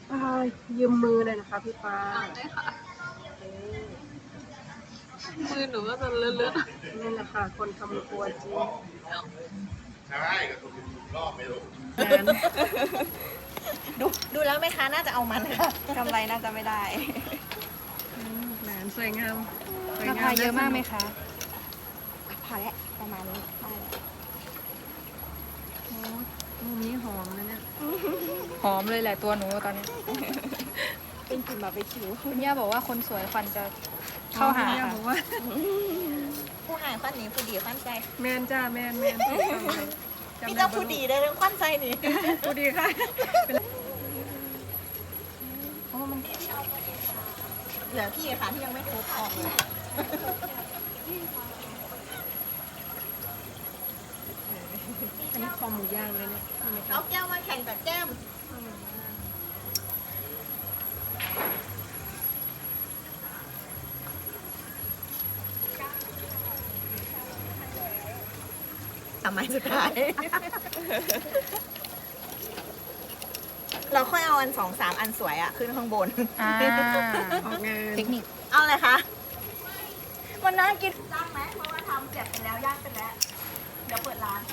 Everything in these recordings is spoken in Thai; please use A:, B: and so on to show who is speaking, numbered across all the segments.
A: ยืมมือเลยนะคะพี่ปา
B: ได้ค่ะมือหนูก็จะเลอะ
A: ๆนี่แหละค่ะคนทำครัวจริง
C: ใช่ก็ถูกรอบไม่รู้
D: ดูแล้วแม่ค้าน่าจะเอามันค่ะ
B: กำไรน่าจะไม่ได้
A: แหนสวยงาม
B: ราคาเยอะมากไหมคะ
D: พอแล้วประมาณนี้ได้แล้ว
A: มุมนี้หอมนะเนี่ย
B: หอมเลยแหละตัวหนูตอนนี้
D: เป็นกลิ่นบาร์บีคิว
B: คุณย่าบอกว่าคนสวยฟันจะเข้าหา
A: ย่
B: ค่ะ
A: บอกว่า
D: ผู้หายควันนี้ผู้ดีควันใจ
A: แมนจ้าแมน
D: พี่เจ้าผู้ดีได้เรื่องควันใจนี่
A: ผู้ดีค่ะ
D: เหลือพี่ค่ะที่ยังไม่ครบออกเลย
A: อันนี้คอหมูย่างเลยเนี่ย
D: เอาแก้วมาแข่งกับแก้มทำไมสุดท้าย เราค่อยเอาอัน2-3 อันสวยอะขึ้นข้างบน
B: อ่า
A: ออกงาน
B: เทคนิค
D: เอาเลยคะวันนั้นกินจ้างไหมเพราะว่าทำเสร็จไปแล้วย่างไปแล้ว เดี๋ยวเปิดร้าน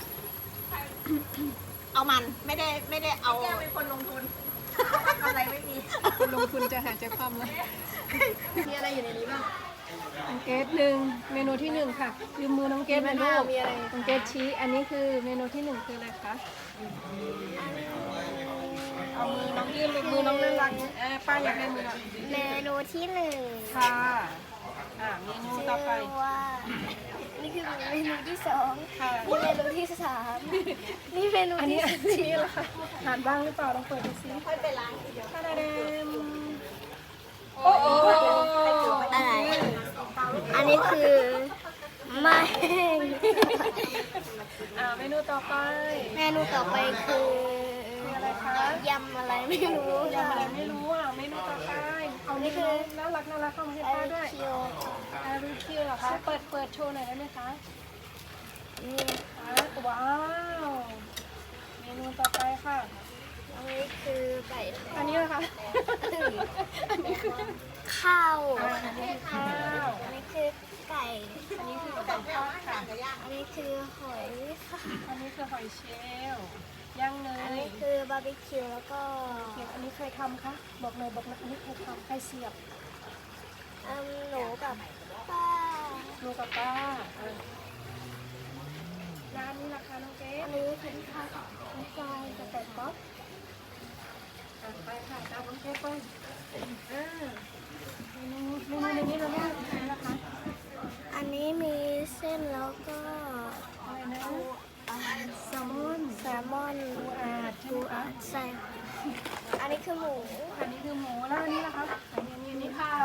D: เอามันไม่ได้เอาแกเป็นคนลงทุนอะไรไม่มี
A: คนลงทุนจะหาใจความแล้ว
D: มีอะไรอยู่ในนี้บ้าง
A: น้องเกดหนึ่งเมนูที่หนึ่งค่ะยืมมือน้องเกดหน่อยลูก
D: มีอะไร
A: น้องเกดชี้อันนี้คือเมนูที่หนึ่งคืออะไรคะเอามือน้องยื่นมือน้องน่ารักป้าอยากได้มือหน่อย
E: เมนูที่หนึ่ง
A: ค่ะเมนูต่อไป
E: ชื่ว่า นี่คือเมนูที่สอง
A: ค่ะ
E: นี่เมนูที่สามนี่เมนู
A: อัน
E: ที่
A: นี้
E: สี่
A: ชี้แล้วค่ะทานบ้างหรือเปล่าลองเปิดดูซิ
D: ค่อยไปล้างทีเดียว
A: ทาดาเดมโอ้โห
E: อะไร อันนี้คือไม่แห้ง
A: เมนูต่อไป
E: เมนูต่อไปคือ
A: อะไรคะ
E: ยำอะไรไม่รู้
A: ยำอะไรไม่รู้เมนูต่อไปเอานี่คือน่ารักเข้ามาให้
E: ไอ
A: ป้าด้วย
E: เคียว
A: อารูคิวเหรอคะเปิดโชว์หน่อยได้ไหมคะ
E: นี่
A: ว้าว เมนูต่อไปค่ะ
E: อันนี้คือไก่
A: อันนี้เหรอคะ อันนี้คือ
E: ข้าว
A: อันนี้คือข้าว
E: อันนี้คือไก่
A: อันนี้คือไก่ทอดค่ะ
E: อันนี้คือหอยค่ะ
A: อันนี้คือหอยเชลล์ย่างเน
E: อัน
A: ย
E: นี้คือบาร์บีคิวแล้วก็
A: อันนี้เคยทำคะบอกเลยอันนี้เคยทำใครเสียบ
E: หนูกับป้า
A: ลูกกับป้าร้านนี้ราคาน้องเก๊
E: อันนี้เป็นข้าวน้ำปลากับไก่ป๊อป
A: ไปค่ะตามน้องเก๊ไปเมนูในนี้เราไม่ได้ทำนะคะ
E: อันนี้มีเส้นแล้วก็
A: อะไรนะ แซลมอน
E: แซลมอน
A: ปูอัด
E: ใส่อันนี้คือหมู
A: อันนี้คือหมูแล้วอันนี้ล่ะคะอันนี้ข้าว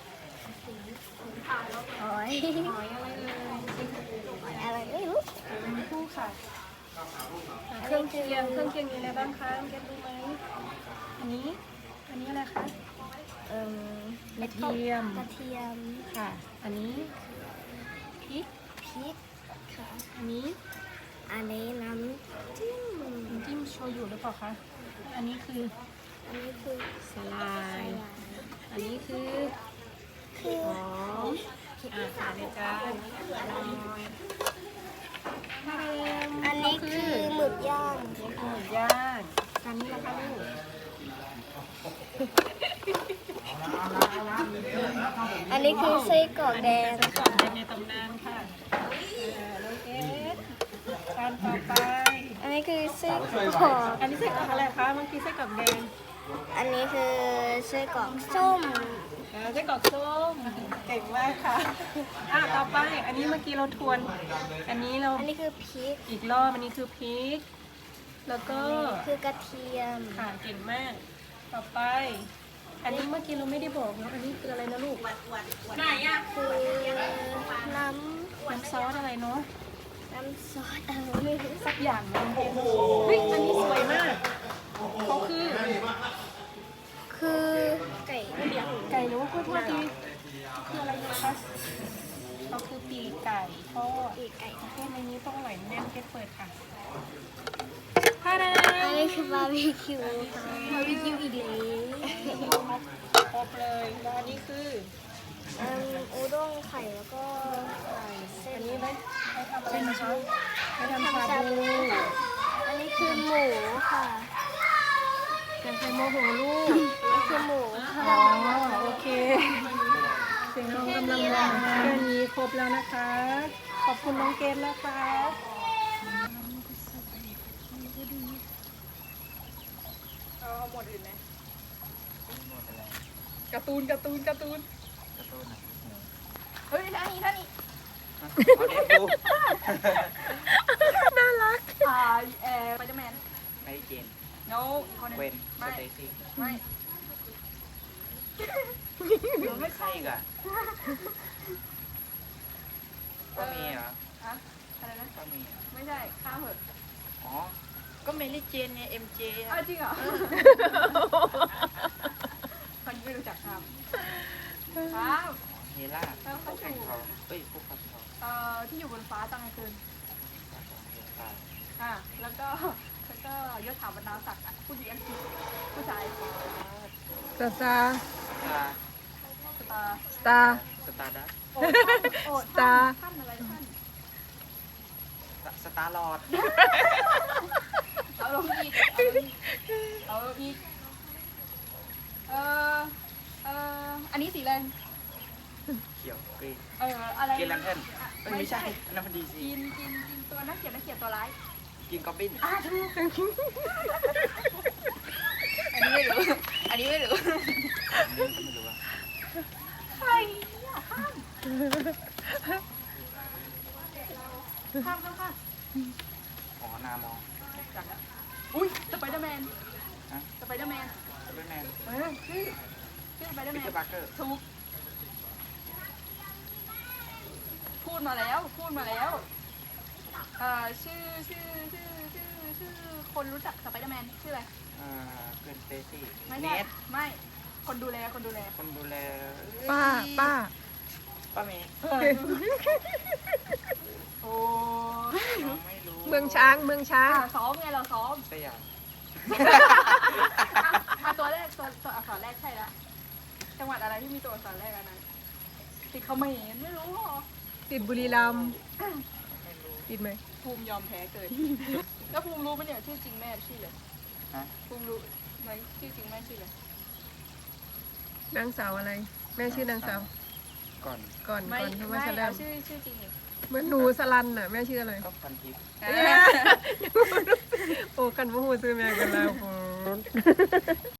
E: หอย
A: หอยอะไรเลย
E: อะไรไม่รู้
A: เป็นคู่ค่ะเครื่องเคียงมีอะไรบ้างคะเก็บรู้ไหมอันนี้อะไรคะ กระเทียม
E: กระเทียม
A: ค่ะ อันนี้พริก
E: พริกค่ะ
A: อันนี้
E: อันนี้น้ำจิ้ม
A: น้ำจิ้มโชยุหรือเปล่าคะอันนี้คือ
E: อันนี้คือ
A: สลายอันนี้คือ
E: คือ
A: หอมค่ะในจาน
E: อันนี้คือหมึกย่าง
A: หมูย่างอันนี้นะคะลูก
E: อันนี้คือไส้กรอกแดง
A: ไส้กรอกแดงในตำนานค่ะน้องเอสการต่อไป
E: อันนี้คือไส้กรอก
A: อันนี้ไส้กรอกอะไรคะเมื่อกี้ไส้กรอกแดง
E: อันนี้คือไส้กรอกส้ม
A: ไส้กรอกส้มเก่งมากค่ะต่อไปอันนี้เมื่อกี้เราทวน อันนี้เรา
E: อันนี้คือพริก
A: อีกรอบอันนี้คือพริก แล้วก็
E: คือกระเทียม
A: ค่ะเก่งมาก ต่อไป อันนี้เมื่อกี้เราไม่ได้บอกเนาะอันนี้คืออะไรนะลูก
D: ไหนอ่ะ
E: คือน้
A: น้ำซอสอะไรเนาะ
E: ำน้ำซอสอะไรไม่รู้
A: สักอย่างนึงเฮ้ยอันนี้สวยมากเขาคือ
E: คือไก่เลี้ยง
A: ไก่หรือว่าโทษทีคืออะไรนะคะเขาคือปีกไก่ทอด
E: ปีกไก่
A: เทศในนี้ต้องอร่อยแน่นเทศเปิดค่ะพาดา
E: อันนี้คือบาร์บีคิวค่ะ
A: บาร์บีคิวอีกแล้วครบเลยแล้วอันนี้คือ
E: อุด้งไข่แล้วก็
A: อันนี้ไหมให้ทำอะไรนะคะให้ทำชาบู
E: อันนี้คือหมูค่ะ
A: แกงไข่โมโหลูก
E: อันนี้คือหมูค่ะ
A: อ๋อโอเคเสียงน้องกำลังมาแค่นี้ครบแล้วนะคะ ขอบคุณน้องเกดนะคะ
B: เอาหมดอื่นไหมการ์ตูนการ์ตูนการ์ตูนเฮ้ยท่านี้ท่านี้น่ารักสไปเดอร์แมน
F: ไม่เจน
B: โนอีกคนหนึง
F: เวนส
B: ไม่
F: เตซี่
B: ไม่
F: ไม่ใช่อีกอ่ะก็มีเหรอ
B: อะอะไรนะ
F: ก็มี
B: ไม่ใช่ข้ามเหอะ
F: อ๋อ ก็เมลี่เจนไง MJ
B: อ้า
F: อ่ะ
B: วจริงเหรอคนไม่รู้จักข้ามข้าม
F: เฮล่าพวกแข่งเขาเอ้ยพวกขับเขา
B: ที่อยู่บนฟ้าตอนกลางคืน
F: เฮล่า
B: แล้วก็ยศถาบรรดาศักดิ์อะผู้หญิงอังกฤษผู้ชาย
A: สตาร์
F: สตาร์
B: สตาร์
A: สตาร์
F: สตาร์ดัส
B: โอ้
A: สตาร์
B: ท่านอะไรท่าน
F: สตาร์ลอร์ด
B: เอาลงอีกเอาลงอีกอันนี้สีอะไร
F: เขียวกรีน
B: อะไร
F: กินแลนเทิร์นไม่ใช่อันนั้นพอดีสิ
B: กินตัวนักเขียนตัวร้าย
F: กินกอบบิน
B: ถูกอันนี้ไม่รู้อันนี้ไม่รู้
F: ไม่รู้ว่า
B: ใครเนี่ยข้าม
F: อ๋อนามอง
B: จังอะอุ้ยสไปเดอร์แมน
F: ฮะ
B: สไปเดอร์แมน
F: สไปเดอร์แมน
B: ชื่อสไปเดอร์
F: ปี
B: แม
F: เตอน ร์ปาร์เกอร์
B: ถูกพูดมาแล้วชื่อคนรู้จักสไปเดอร์แมนชื่ออะไร
F: เกินสเตซี่
B: ไม่
F: เน
B: ใช่
F: ท
B: ไม่คนดูแล
F: คนดูแล
A: ป้า
F: ป้าเมย์
B: โอ้
F: ไม่รู้
A: เมืองช้างเมืองช้าง
B: ซ้อมไงเราซ้อม
F: สยาม
B: ตัวแรกตัวอักษรแรกใช่ละจังหวัดอะไรที่มีตัวอักษรแรกอันนั้นติดเขมรไม่รู้หรอ
A: ติดบุรีรัมย์
F: ไม่รู้
A: ติดไหม
B: ภูมิยอมแพ้เกิน แล้วภูมิรู้ปะเนี่ยชื่อจริงแม่ชื่ออะไร
F: ฮะ
B: ภูมิรู้ไหมชื่อจริงแม่ชื่ออะไร
A: นางสาวอะไร แม่ชื่อนางสาว
F: ก่อน
A: ก่อน
B: ไม่
A: ที่
B: ไม่
A: ว่าจะเริ่
B: เอา
A: ม
B: ชื่อจริงอีก
A: เหมือนหนูสลันน่ะแม่ชื่ออะไร
F: ก็พันทิพย์
A: โอ้กันว่าหูซื้อแม่กันแล้ว